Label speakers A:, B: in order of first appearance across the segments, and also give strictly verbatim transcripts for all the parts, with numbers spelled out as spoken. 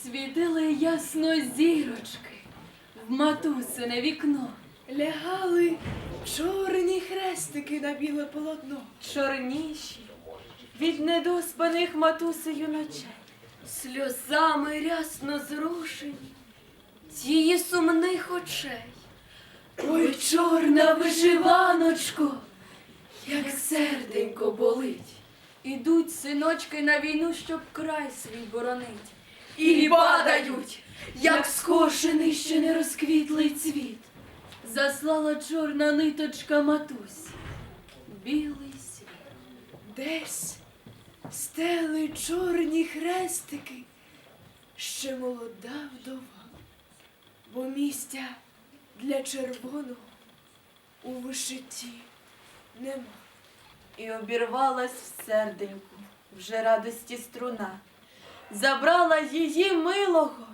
A: Світили ясно зірочки в матусине вікно.
B: Лягали чорні хрестики на біле полотно.
A: Чорніші від недоспаних матусею ночей. Сльозами рясно зрушені тії сумних очей. Ой, чорна вишиваночко, як серденько болить. Ідуть синочки на війну, щоб край свій боронить. І падають, як скошений ще не розквітлий цвіт. Заслала чорна ниточка матусь білий світ.
B: Десь стели чорні хрестики, ще молода вдова, бо місця для червоного у вишитті нема.
A: І обірвалась в серденьку вже радості струна. Забрала її милого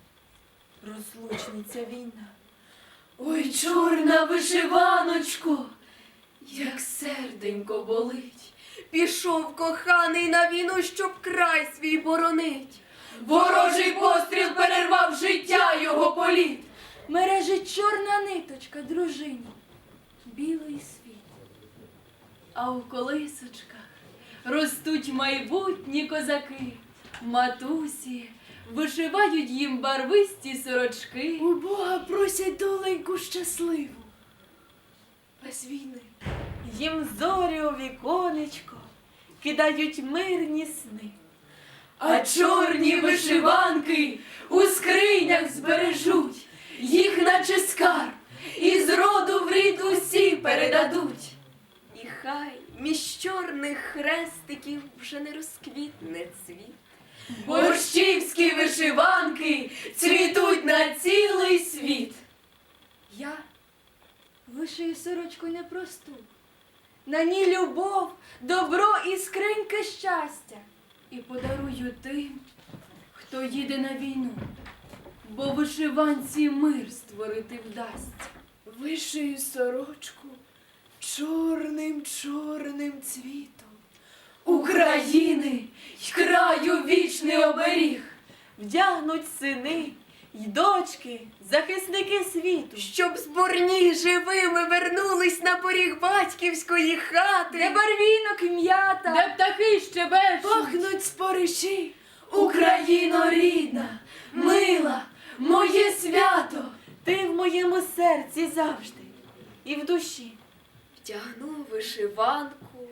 A: розлучниця війна. Ой, чорна вишиваночко, як серденько болить. Пішов коханий на війну, щоб край свій боронить. Ворожий постріл перервав життя його політ. Мережить чорна ниточка дружині, білий світ. А у колисочках ростуть майбутні козаки. Матусі вишивають їм барвисті сорочки.
B: У Бога просять доленьку щасливу, без війни.
A: Їм зорі у віконечко кидають мирні сни. А чорні вишиванки у скринях збережуть, їх наче скарб, і з роду в рід усі передадуть. І хай між чорних хрестиків вже не розквітне цвіт. Борщівські вишиванки цвітуть на цілий світ. Я вишию сорочку непросту, на ній любов, добро і скриньки щастя. І подарую тим, хто їде на війну, бо вишиванці мир створити вдасться.
B: Вишию сорочку чорним-чорним цвітом
A: України й краю вічний оберіг вдягнуть сини й дочки, захисники світу, щоб зборні живими вернулись на поріг батьківської хати, де барвінок і м'ята, де птахи щебечуть,
B: пахнуть спориші.
A: Україно рідна, мила, моє свято, ти в моєму серці завжди і в душі. Вдягну вишиванку,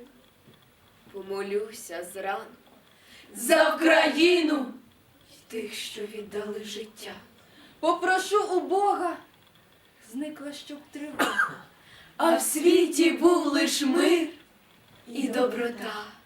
A: помолюся зранку за Україну й тих, що віддали життя. Попрошу у Бога, зникла щоб тривога, а в світі був лиш мир і доброта.